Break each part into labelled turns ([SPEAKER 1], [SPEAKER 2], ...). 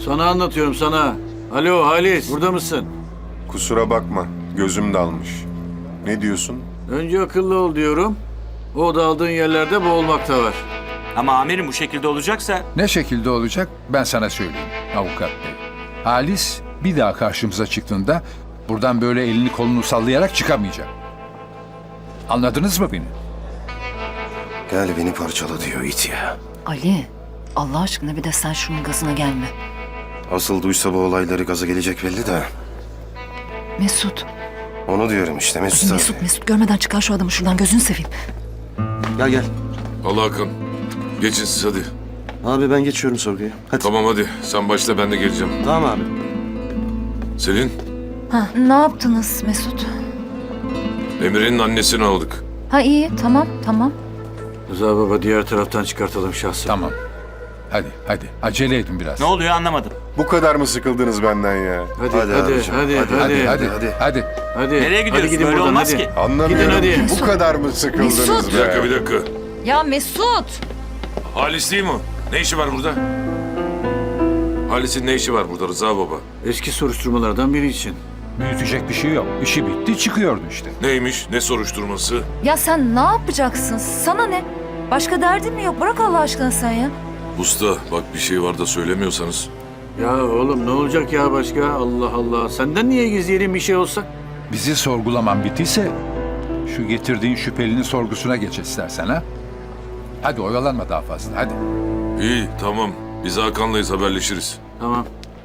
[SPEAKER 1] Sana anlatıyorum sana. Alo Halis, burada mısın?
[SPEAKER 2] Kusura bakma, gözüm dalmış. Ne diyorsun?
[SPEAKER 1] Önce akıllı ol diyorum. O daldığın yerlerde boğulmak da var.
[SPEAKER 3] Ama amirim bu şekilde olacaksa...
[SPEAKER 4] Ne şekilde olacak ben sana söyleyeyim avukat bey. Halis bir daha karşımıza çıktığında buradan böyle elini kolunu sallayarak çıkamayacak. Anladınız mı beni?
[SPEAKER 5] Gel beni parçala diyor it ya.
[SPEAKER 6] Ali, Allah aşkına bir de sen şunun gazına gelme.
[SPEAKER 5] Asıl duysa bu olayları gaza gelecek belli de.
[SPEAKER 6] Mesut,
[SPEAKER 5] Onu diyorum işte Mesut abi.
[SPEAKER 6] Mesut görmeden çıkar şu adamı şuradan, gözünü seveyim.
[SPEAKER 5] Gel gel.
[SPEAKER 7] Allah Hakan. Geçin siz hadi.
[SPEAKER 5] Abi ben geçiyorum sorguya. Hadi.
[SPEAKER 7] Tamam hadi. Sen başla ben de geleceğim.
[SPEAKER 5] Tamam abi.
[SPEAKER 7] Selin,
[SPEAKER 6] Ha, ne yaptınız Mesut?
[SPEAKER 7] Emre'nin annesini aldık.
[SPEAKER 6] Ha iyi, tamam.
[SPEAKER 1] Rıza baba diğer taraftan çıkartalım şahsı.
[SPEAKER 4] Tamam. Hadi acele edin biraz.
[SPEAKER 3] Ne oluyor anlamadım.
[SPEAKER 2] Bu kadar mı sıkıldınız benden ya?
[SPEAKER 1] Hadi
[SPEAKER 5] Hadi abicim,
[SPEAKER 1] hadi.
[SPEAKER 4] Hadi.
[SPEAKER 3] Nereye gidiyorsun?
[SPEAKER 1] gidin
[SPEAKER 3] Böyle
[SPEAKER 1] buradan,
[SPEAKER 3] olmaz
[SPEAKER 1] hadi.
[SPEAKER 3] ki.
[SPEAKER 2] Anlamıyorum
[SPEAKER 1] Gidin hadi.
[SPEAKER 2] ki bu kadar mı sıkıldınız
[SPEAKER 6] Mesut.
[SPEAKER 2] be?
[SPEAKER 7] Bir dakika.
[SPEAKER 6] Ya Mesut!
[SPEAKER 7] Halis değil mi? Ne işi var burada? Halis'in ne işi var burada Rıza baba?
[SPEAKER 1] Eski soruşturmalardan biri için.
[SPEAKER 4] Büyütecek bir şey yok. İşi bitti çıkıyordu işte.
[SPEAKER 7] Neymiş? Ne soruşturması?
[SPEAKER 6] Ya sen ne yapacaksın? Sana ne? Başka derdin mi yok? Bırak Allah aşkına sen ya.
[SPEAKER 7] Usta bak bir şey var da söylemiyorsanız.
[SPEAKER 1] Ya oğlum ne olacak ya başka? Allah Allah. Senden niye gizleyelim bir şey olsa?
[SPEAKER 4] Bizi sorgulaman bittiyse şu getirdiğin şüphelinin sorgusuna geç istersen ha. Hadi oyalanma daha fazla hadi.
[SPEAKER 7] İyi tamam. Biz Hakan'layız haberleşiriz.
[SPEAKER 1] Tamam.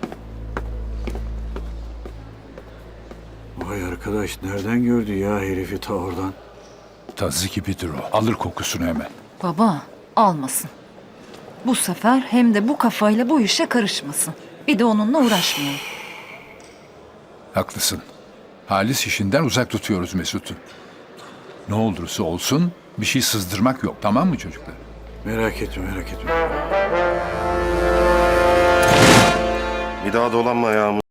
[SPEAKER 1] Vay arkadaş nereden gördü ya herifi ta oradan?
[SPEAKER 4] Tazı gibidir o. Alır kokusunu hemen.
[SPEAKER 6] Baba, almasın. Bu sefer hem de bu kafayla bu işe karışmasın. Bir de onunla uğraşmayalım.
[SPEAKER 4] Haklısın. Halis işinden uzak tutuyoruz Mesut'u. Ne olursa olsun bir şey sızdırmak yok, tamam mı çocuklar?
[SPEAKER 1] Merak etme.
[SPEAKER 5] Bir daha dolanma ayağımı.